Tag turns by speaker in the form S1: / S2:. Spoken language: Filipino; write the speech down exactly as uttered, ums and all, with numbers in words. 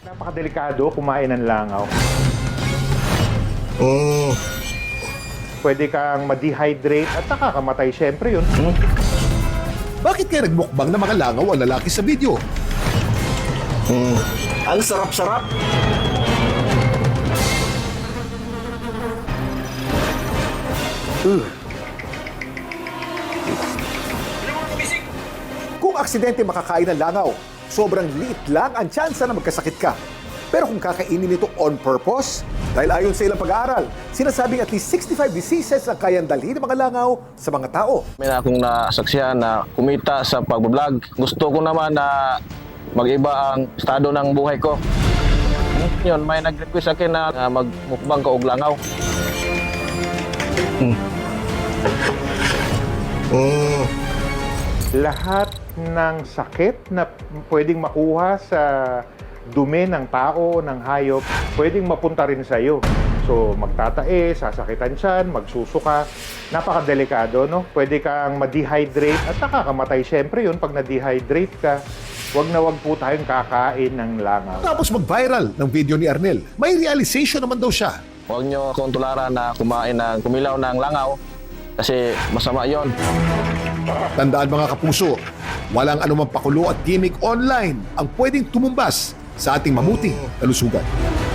S1: Napakadelikado kumain ng langaw.
S2: Oh.
S1: Pwede kang ma-dehydrate at nakakamatay syempre yun.
S2: Hmm?
S3: Bakit kaya nagmukbang na mga langaw ang lalaki sa video?
S2: Hmm.
S4: Ang sarap-sarap.
S3: Kung aksidente makakain ng langaw, sobrang liit lang ang tsansa na magkasakit ka. Pero kung kakainin ito on purpose, dahil ayon sa ilang pag-aaral, sinasabing at least sixty-five diseases ang kayang dalhin ng mga langaw sa mga tao.
S5: May na akong nasaksihan na kumita sa pagbablog. Gusto ko naman na mag-iba ang estado ng buhay ko. Yun, may nag-request sa akin na uh, magmukbang ka og langaw. Hmm.
S2: Oh.
S1: Lahat ng sakit na pwedeng makuha sa dumi ng tao, ng hayop, pwedeng mapunta rin sa iyo. So, magtatae, sasakitan siyan, magsusuka. Napakadelikado, no? Pwede kang ma-dehydrate at nakakamatay syempre yun pag na-dehydrate ka. Huwag na huwag po tayong kakain ng langaw.
S3: Tapos mag-viral ng video ni Arnel. May realization naman daw siya.
S5: Huwag nyo akong tularan na kumain ng kumilaw ng langaw kasi masama yon.
S3: Tandaan mga kapuso, walang anumang pakulo at gimmick online ang pwedeng tumumbas sa ating mamuting kalusugan.